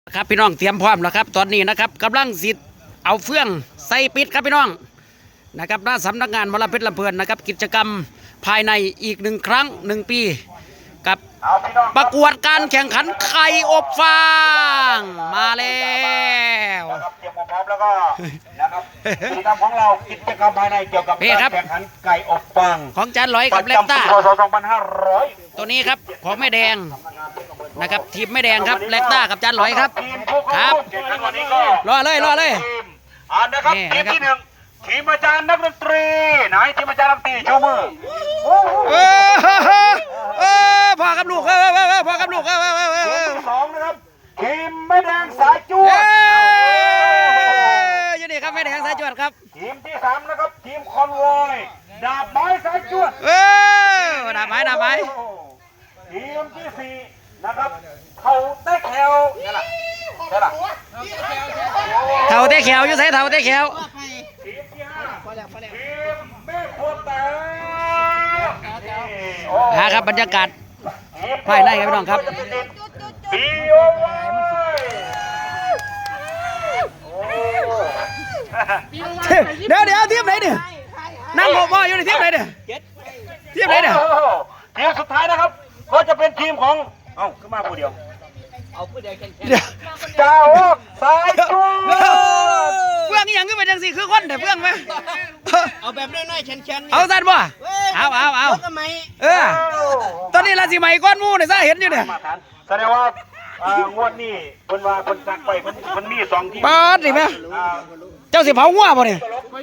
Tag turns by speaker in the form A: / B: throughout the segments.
A: ครับพี่น้องเตรียมพร้อมแล้วครับตอนนี้นะครับกำลังสิเอาเฟื่องใส่ปิดครับพี่น้องนะครับหน้าสำนักงานมลเพชรลำเพลินนะครับกิจกรรมภายในอีก1 ครั้ง1 ปีกับประกวดการแข่งขันไข่อบฟางมาแล้ว
B: เตรียมพร้อมแล้วก็นะครับกิจกรรมของเรากิจกรรมภายในเกี่ยวกับการแข่งขันไก่อบฟาง
A: ของจานลอยกับเล็กต้า
B: 2500
A: ตัวนี้ครับของแม่แดงนะครับทีมแม่แดงครับเล็กต้ากับจานลอยครับครับรอเลย
B: นะครับทีมที่1ทีมอาจารย์นักดนตรีไหนทีมอาจารย์นักดนตรีโชว์มือ
A: พ่อกับลูกพ่อกับลูก
B: ทีมที่2นะครับทีมแม่แดงสายจวด
A: อยู่นี่ครับแม่แดงสายจวดครับ
B: ทีมที่3นะครับทีมคอนวอยดาบไม้สายจวด
A: ดาบไม้
B: ทีมที่4นะครับเขาเต้แขวนี่แหละ
A: เท่าเต้แขวอยู่ใส่เท่าเต้แขว
B: ทีมที่5ทีมแม่ขวดแต่
A: ครับบรรยากาศภายในครับพี่น้องครับ
B: ปีโอ
A: เดี๋ยวทีมไหนเนี่ยนั่งโง่อยู่ในทีมไหนเนี่ยทีมไหนเนี่ย
B: ทีมสุดท้ายนะครับก็จะเป็นทีมของขึ้นมาผู้เดียวเจ้าสายจู
A: เพื่อนนี่ยังขึ้นไปจังสิคือคนแต่เพื่อนไหม
C: เอาแบบน้อยๆเชน
A: ๆเอาสั้นบ่เอาตอนนี้ราศีใหม่ก้อนมูเนี่ยซะเห็นอยู่เนี่ย
B: แสดงว่างวดนี้คนว่าคนสักไปมันมี2 ทีม
A: ปอดดิแม่เจ้าสิเผาหัวบ่เนี่ย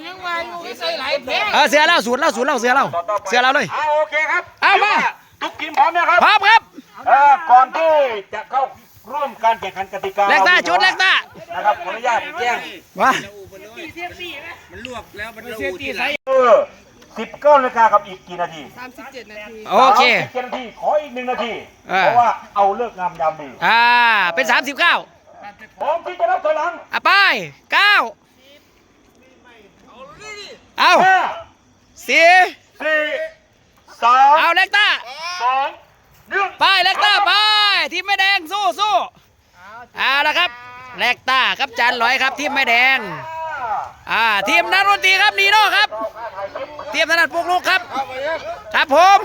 A: เสือเล่าสูตรเล่าเสือเล่าเลย
B: โอเคครับ
A: เอามา
B: ทุกทีมพร้อมนะครับ
A: พร้อมครับ
B: ก่อนที่จะเข้าร่วมการแข่งขันกติกา
A: เล็กต้าชุดเล็กต้า
B: นะครับขออนุญาตแจ้ง
A: ว่า
C: มันลวกแล้วมัน
B: เสียตีใส่19 นาฬิกากับอีกกี่นาที
C: 37 นาที
A: โอเค
B: 37 นาทีขออีก1 นาทีเพราะว่าเอาเลิกงามยามดี
A: เป็น39
B: พร้อมที่จะรับถอยหลัง
A: ไป9เอา4
B: 3
A: เอาเล็กต้า
B: 2 1
A: ไปเล็กต้าไปทีมแม่แดงสู้เอาละครับเล็กต้าครับจานลอยครับทีมแม่แดงทีมนักดนตรีครับนีโน่ครับทีมถนัดปลุกลูกครับครับผม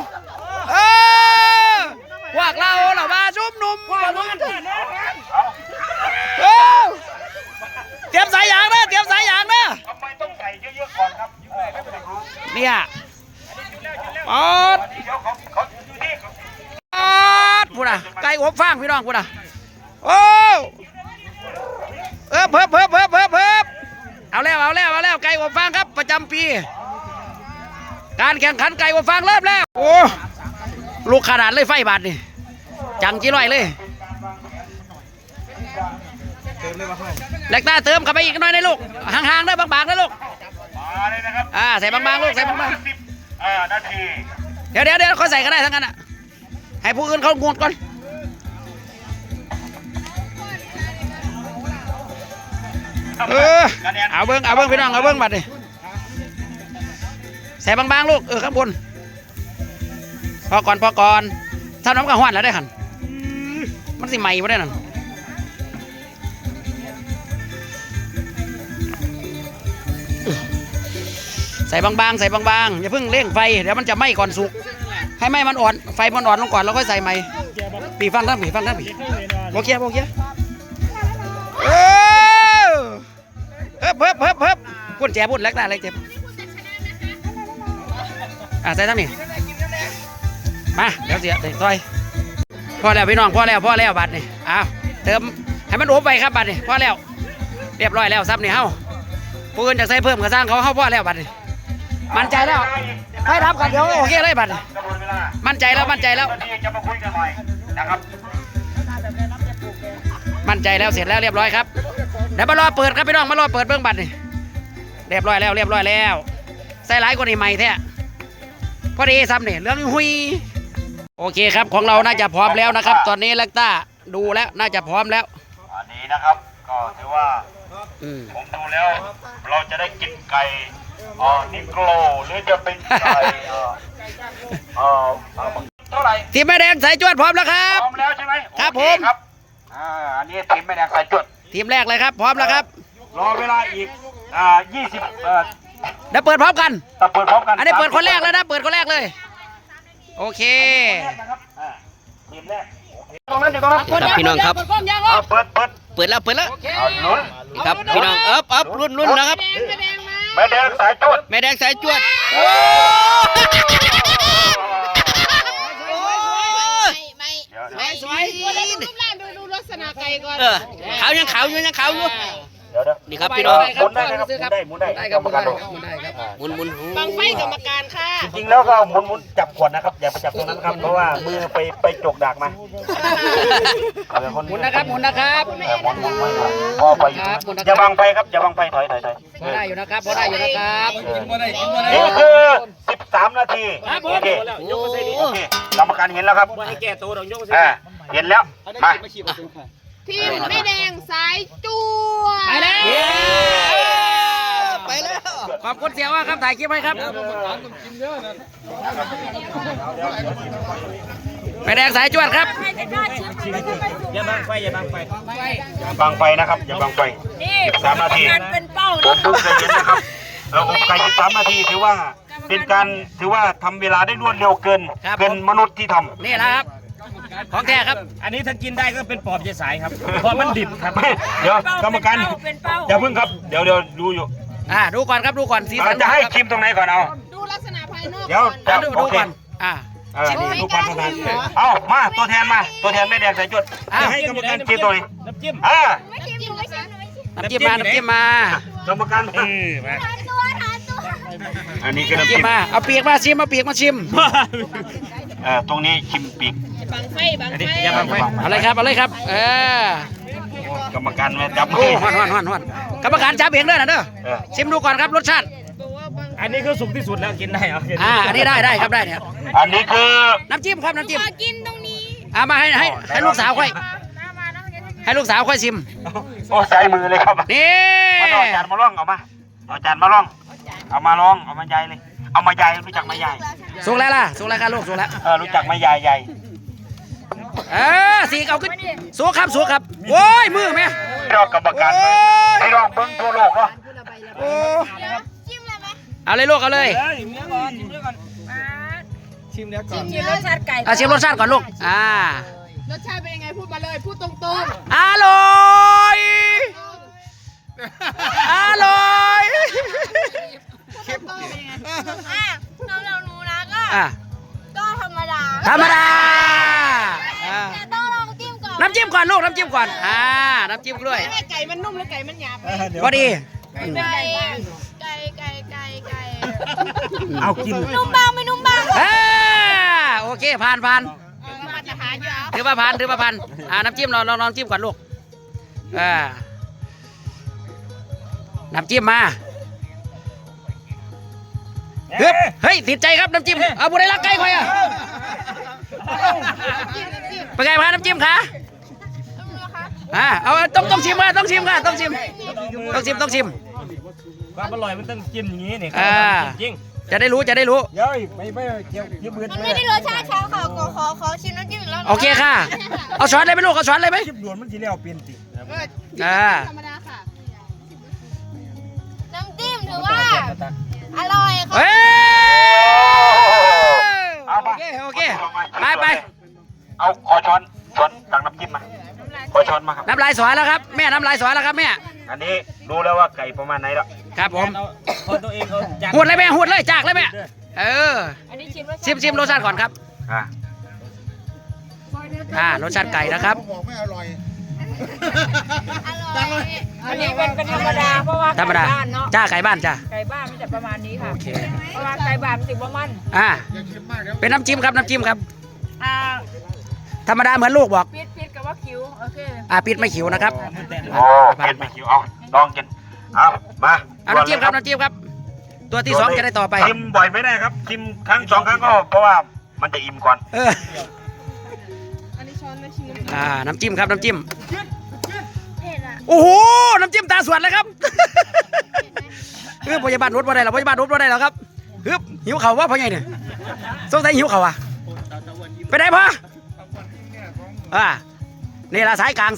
A: พวกเรามาชุมนุมเตรียมสายยางนะ
B: ทำไมต้องใส่เยอะๆก่อนครับ
A: เนี่ยพูดไก่อบฟางพี่น้องพูดโอ้เพิ่มเอาแล้วไก่อบฟางครับประจำปีการแข่งขันไก่อบฟางเริ่มแล้วโอ้ลูกขนาดเลยไฟบาดนี่จังจีร่อยเลยเล็กตาเติมเข้าไปอีกหน่อยนะลูกห่างๆได้บางๆนะลูก
B: มาเลยนะครับ
A: ใส่บางๆลูกใส่บาง
B: ๆนาที
A: เดี๋ยวเขาใส่ก็ได้ทั้งนั้นให้ผู้อื่นเขางดก่อนเอาเบิ้งพี่น้องเอาเบิ้งบัดดิใส่บางๆลูกข้างบนพอก่อนถ้าน้ำกระห้วนแล้วได้หันมันสิใหม่ไม่ได้นั่นใส่บางๆอย่าเพิ่งเร่งไฟเดี๋ยวมันจะไหม้ก่อนสุกให้ไหม้มันอ่อนไฟมันอ่อนลงก่อนแล้วค่อยใส่ใหม่ปีฟังทั้งปีโอเคเพิ่มพุ่นแจพุ่นเล็กได้เล็กเจ็บใส่ทั้งนี้มาเดี๋ยวเสียซอยพอแล้วพี่น้องพอแล้วบัดนี่เติมให้มันโอบไปครับบัดนี่พอแล้วเรียบร้อยแล้วซับนี่เฮาผู้อื่นจะใส่เพิ่มกระซังเขาพอแล้วบัดนี่มั่นใจแล้วให้รับกันเดี๋ยวโอเคเลยบัดมั่นใจแล้ว
B: จะมาคุยกันหน่อยนะครับ
A: มั่นใจแล้วเสร็จแล้วเรียบร้อยครับเดี๋ยวมารอเปิดครับพี่น้องมารอเปิดเบื้องบัตรนี่เรียบร้อยแล้วใส่หลายกว่านี้ใหม่แท้พอดีซ้ำนี่เรื่องหุยโอเคครับของเราน่าจะพร้อมแล้วนะครับตอนนี้เล็กต้าดูแล้วน่าจะพร้อมแล้ว
B: อันนี้นะครับก็ถือว่าผมดูแล้วเราจะได้กินไก่นิโกลหรือจะเป็นไก่เท่าไหร่
A: ทีมแม่แดงสายจวดพร้อมแล้วครับ
B: พร้อมแล้วใช่ไหม
A: ครับผม
B: อันนี้ทีมแม่แดงสายจวด
A: ทีมแรกเลยครับ พร้อมแล้วครับ
B: รอเวลาอีก20
A: เดี๋ยวเปิดพร้อมกัน
B: แต่เปิดพร้อมกัน
A: อันนี้เปิดคนแรกแล้วนะ เปิดคนแรกเลย โอเค
B: นะครับทีมแรกตรงนั้นอยู่ตรงนั้น
A: ครับพี่น้องครับ
B: เปิด
A: เปิดแล้ว
B: เอาลุ้น
A: นี่ครับพี่น้องอัพรุ่นนะครับ
B: แม่แดงสายจวด
A: แม่แดงสายจวดโอ้
D: ไม่สวยรูปร่างดูลักษณะไก่ก่อน
A: ขาวยังขาวอยู่
B: เดี๋ยว
A: นี่ครับพี่น้อง
B: หมุนได้นะครับหมุนได้กรรมการบอก
A: หมุน
D: บังไฟกรรมการค่ะ
B: จริงๆแล้วก็หมุนจับขวดนะครับอย่าไปจับตรงนั้นครับเพราะว่ามือไปจกดักมา
A: หมุนนะครับหมุนนะครับ
B: หมุนพอไปอย่าบังไฟครับอย่าบังไฟถอย
A: พอได้อยู่นะครับพอได้อยู่นะครับ
B: นี่คือ13 นาที
A: ครับผม
B: โอเคกรรมการเห็นแล้วครับ
C: ให้แก้ตัวเรายกไป
B: เห็นแล้วมา
D: ทีมแม่แดงสายจูว
A: ไปแล้วไปแล้วขอบคุณเสียว่าครับถ่ายคลิปให้ครับแม่แดงสายจวดครับ
C: อย่าบังไฟ
B: บังไฟนะครับอย่าบังไฟ13 นาที
D: เป็นเป้า
B: ผมดูใจเย็นนะครับเราอบไก่13 นาทีถือว่าทำเวลาได้รวดเร็วเกินมนุษย์ที่ทำ
A: นี่แหละครับของแท้ครับ
C: อันนี้ถ้ากินได้ก็เป็นปอบเจสายครับเพราะมันดิบครับ
B: เดี๋ยวกรรมการอย่าพึ่งครับเดี๋ยวดูอยู่
A: ดูก่อนครับดูก่อนสีสัน
B: จะให้ชิมตรงไหนก่อนเอา
D: ดูลักษณะภายนอก
B: เดี๋ยวจะ
A: ดู
B: โอเค
A: ก่อน
B: ดูความประทานเอามาตัวแทนแม่แดงสายจวดจะให้กรรมการชิมตัวนี้
C: น้ำจิ้ม
D: ไม่ชิมไม่ชิม
A: น้ำจิ้มมากร
B: รมการ
C: มา
B: อันนี้คือ
A: น้ำ
B: น้ำ
A: จิ้
B: จิ้
A: ม
B: ม
A: มาเอาปีกมาชิม
B: ตรงนี้ชิมปีก
D: บังไฟ
C: อย่าบังไฟ
A: เอาเลยครับ
B: กรรมการมาจับ
A: โอ้ฮ้อนกรรมการจับเองด้วยนะเด้อชิมดูก่อนครับรสชาติ
C: อันนี้คือสุกที่สุดแล้วกินได้เหรอ
A: อันนี้ได้ครับได้เนี่ย
B: อันนี้คือ
A: น้ำจิ้มครับน้ำจิ้ม
D: ขอกินตรงนี้
A: มาให้ลูกสาวค่อยให้ลูกสาวค่อยชิม
B: โอ้ใส่มือเลยครับ
A: นี่
B: มาเอาจานมาล่องเอาจานมาล่องเอามาล่องเอามาใหญ่เลยเอามาใหญ่รู้จักมาใหญ่
A: สุกแล้วครับลูกสุกแล้ว
B: รู้จักมาใหญ่
A: สีเอาขึ้นสุกครับโอ้ยมือแม่
B: รอกรรมการให้ลองเบิ้งทั่วโลกเนาะ
A: โอ้
D: ชิมเลยไหม
A: เอาเลยลูกเอาเลย
C: ชิมแล้วก่อน
D: ชิมรสชาติไก่
A: ชิมรสชาติก่อนลูก
D: รสชาติเป็นยังไงพูดมาเลยพูดตรง
A: อร่อยอร่อย
D: ๆเข้มข้นเป็นยังไงสำหรับหนูนะก็ธรรมดา
A: ธรรมดา
D: แต่ต้องลองจิ้มก่อน
A: น้ำจิ้มก่อนลูกน้ำจิ้มก่อนน้ำจิ้มด้วย
D: ไก่มันนุ่มหรือไก่มันหยาบ
A: พอดี
D: ไก่
C: เอากิน
D: นุ่มบางไม่นุ่มบาง
A: โอเคผ่าน
D: มาตรฐานอยู่แล้ว
A: ถือว่าผ่านน้ำจิ้มลองจิ้มก่อนลูกน้ำจิ้มมาเฮ้ยติดใจครับน้ำจิ้มเอาบุได้รักไก่คอยเป็นไงพาน้ำจิ้มคะเอาต้องชิมค่ะต้องชิม
C: ความอร่อยมันต้องจิ้มอย่างนี้นี่จริง
A: จะได้รู้
C: เดี๋ยวไม่เกี่ยวที่มือ
D: มันไม่ได้รสชาติเช้าค่ะขอชิมน้ำจิ้มอีกแล้ว
A: โอเคค่ะเอาช้อนเลยไหมลูกเอาช้อนเลยไหม
C: จิ้มด่วนมันทีแล้วเปลี่ยนติ
D: ธรรมดาค่ะน้ำจิ้มถือว่าอร่อยค่ะ
A: โอเคไป
B: เอาขอช้อนตักน้ำจิ้มมาขอช้อนมาครับ
A: น้ำลายสวยแล้วครับแม่น้ำลายสวยแล้วครับแม่
B: อันนี้รู้แล้วว่าไก่ประมาณไหนแล้ว
A: ครับผม
C: คนตัวเองเขา
A: หวดเลยแม่หวดเลยจากเลยแม่ชิมรสชาติก่อนครับรสชาติไก่นะครับ
E: อันนี้เป็นธรรมดาเพราะว่า
A: ธรรมดา
E: ไก่บ้านเนาะ
A: ไก่บ้านจ้า
E: ไก่บ้านมันจะประมาณนี้ค่ะ
A: โอเค
E: เพราะว่าไก่บ้านมันติดว่ามัน
A: เป็นน้ำจิ้มครับ
E: อ่า
A: ธรรมดาเหมือนลูกบอก
E: ปิดกับว่าคิ้วโอเค
A: ปิดไม่ขิวนะครับ
B: โอ้เผ็ดไม่คิวเอาลองกินเอามา
A: น้ำจิ้มครับ ตัวที่2จะได้ต่อไป
B: ชิมบ่อยไม่ได้ครับชิมครั้ง2 ครั้งก็เพราะว่ามันจะอิ่มก่อน
D: อันนี้ช้อนไม่ชิม
A: น้ำจิ้มครับโอ้โหน้ำจิ้มตาสวดเลยครับพยาบาลรถบ่ได้หรอครับหิวเข่าว่าเพราะไงเนี่ยสงสัยหิวเข่าไปได้ปะนี่ละสายกลาง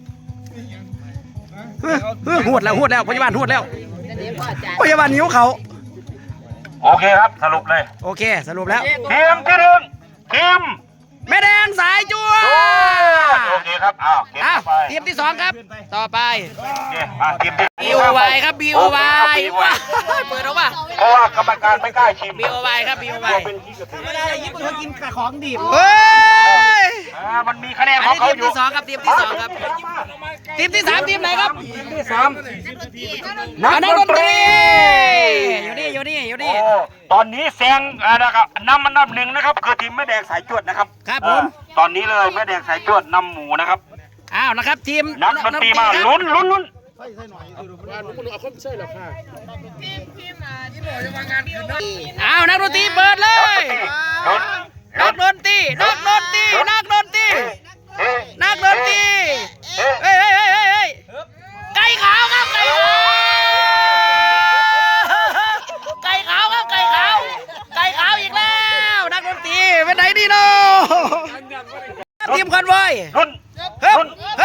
A: หวดแล้วพยาบาลหวดแล้วพยาบาลนิ้วเขา
B: โอเคครับสรุปเลย
A: โอเคสรุปแล้ว
B: ทีมที่หนึ่งทีม
A: แม่แดงสายจั่ว
B: โอเคครับอ้าวเก็บ
A: อ้าว
B: ไป
A: ทีมที่สองครับต่อไป
B: โอเคมาทีมที่
A: BOY ครับ BOY ว้าเปิดออกมา
B: เพราะว่ากรรมการไม่กล้าชิม
A: BOY ครับ BOY
B: เป็นที่กระถือ
A: เฮ้ย
B: มันมีคะแนน
A: อัน
B: ของ
A: นี้
B: เขา
A: ทีม
B: อยู่
A: ที่สองครับทีมที่สองครับทีมที่สามทีมไหนครับ
B: ทีมที่สาม
A: นักดนตรีอยู่นี่
B: โอ้ตอนนี้แซงนะครับนำอันดับหนึ่งนะครับคือทีมแม่แดงสายจวดนะครับ
A: ครับผม
B: ตอนนี้เลยแม่แดงสายจวดนำหมูนะครับ
A: อ้าวนะครับทีม
B: นักดนตรีมาลุ้น
A: อ้าวนักดนตรีเปิดเลย
B: ลุ้น
A: นักดนตรีเฮ้ยไก่ขาวครับไก่ขาวอีกแล้วนักดนตรีไปไหนดีเนาะทีมคอนวอย
B: ลุ้น
A: เฮ้บ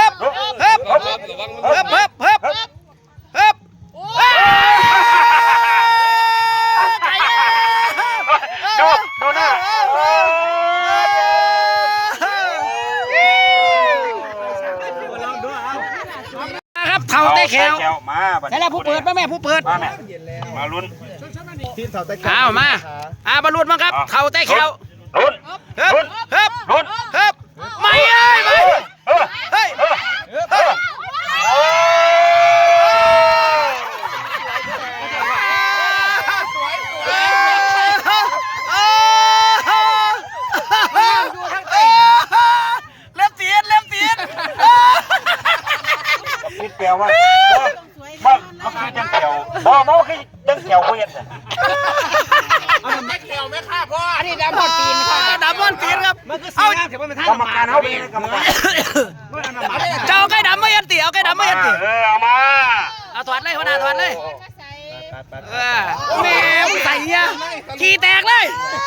B: ดูหน้า
A: ครับเท่าเต้แขว
B: มา
A: ใช่แล้วผู้เปิดแม่ผู้เปิด
B: มาแม่มาลุ้น
A: อ้าวมาบอลลูนมั้งครับเท่าเต้แขว
B: ลุ้น
A: เฮ้บ
B: ลุ้น
A: ไม่เฮ้ยเล็บตีน
B: คิดแปลว่ามันคือจังแถวบ่คือจังแถวเวียน
E: อันนี้ดำพอดปีนค่ะ
A: ดับเบิ้ลตีนครับเอา
B: กรรมการเขาเป็นกรรมการ
A: เจ้าไก่ดำไม่ยันตีเอาไก่ดำไม่ยันตี
B: เอามา
A: เอาถอดเลยหัวหน้าถอดเลยแม่ใส่เนี่ยขี่แตกเลย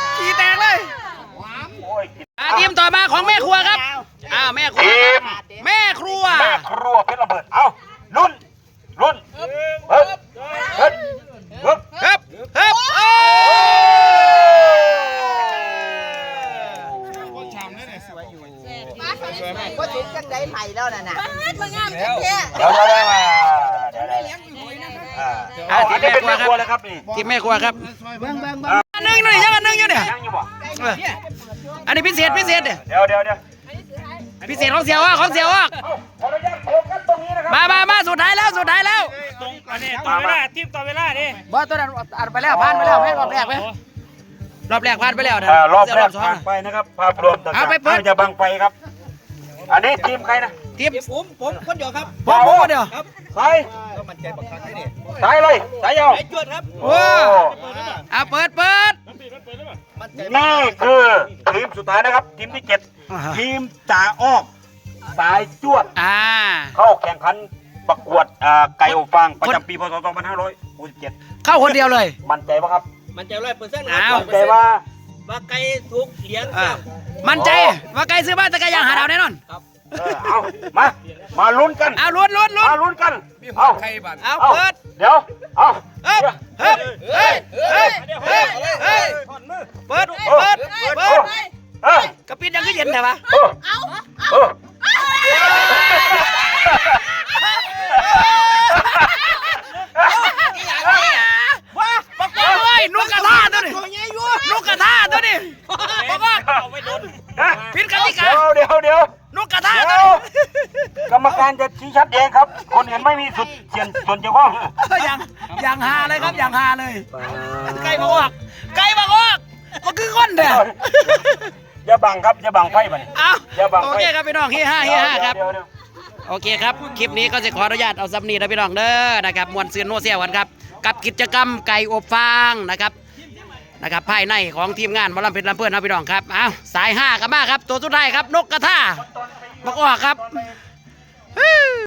A: ทีมต่อมาของแม่ครัวครับแม่ครัว
B: ทีม
A: แม่ครัว
B: เพชรระเบิดเอาลุ้นเฮ้ยโอ้
D: ก็ถึงจังได้ใหม่แล้วน่ะมันงามจังแท้
B: เดี๋ยวทีมแม่ครัวเลยครับนี่
A: ทีมแม่ครัวครับอันนึงนี่ยังอันนึงอยู่เนี่ย
B: ยังอยู่บ่
A: อันนี้พิเศษเนี่ย
B: เดี๋ยว
A: พิเศษของเสียวของเสียว
B: ขออนุญาตโฟกัสตรงนี้นะครับ
A: มาสุดท้ายแล้ว
C: ตรงอันนี้ต่อเวลาทีมต่อเวลาดิ
A: บอสตัวนั้นอ่านไปแล้วผ่านไปแล้วรอบแรกไหมรอบแรกผ่านไปแล้วนะ
B: รอบแรกผ่านไปนะครับภาพรวมต่างๆจะบังไปครับ อันนี้ทีมใครนะ
A: ทีมผมคนเดียวครับ
B: ผมคนเดียวสายเลยสายยาว
A: โอ้เปิด
B: นี่คือทีมสุดท้ายนะครับ ทีมที่ 7 ทีมจ่าอ้อมสายจวดเข้าแข่งขันประกวดไก่อบฟางประจำปีพศ 2567
A: เข้าคนเดียวเลย
B: มั่นใจป่ะครับ
C: มันจะ100%ครับ
B: มั่นใจว่า
C: ว่าไก่ทุกเหรียญ
A: มั่นใจว่าไกลซื้อบ้านตะกายางหาดาวแน่นอน
B: เอามาลุ้นกัน
A: ลุ้น
B: มาลุ้นกันเอา
A: เปิด
B: เดี๋ยวเอา
A: เปิดกระปิดยังก็เย็นแต่ว่าบอกเลยนุกกระทาตัวนี้บอกว่าผิดกติกา
B: เดี๋ยว
A: นุกกระทาตัวนี้
B: กรรมการจะชี้ชัดเองครับ คนอื่นไม่มีส่วนเกี่ยวข้อง
A: อย่างฮาเลยครับอย่างฮาเลยไก่มาออกก็คือก้นเด้อ
B: อย่าบังครับอย่าบังไฟมัน
A: โอเคครับพี่น้องเฮียห้าครับโอเคครับคลิปนี้ก็จะขออนุญาตเอาซับนี้นะพี่น้องเด้อนะครับมวนซืนโนเซียวันครับกับกิจกรรมไก่อบฟางนะครับภายในของทีมงานหมอลำเพชรลำเพื่อนนะพี่น้องครับสาย5กันมากครับตัวสุดท้ายครับนกกระทาบอกออกครับ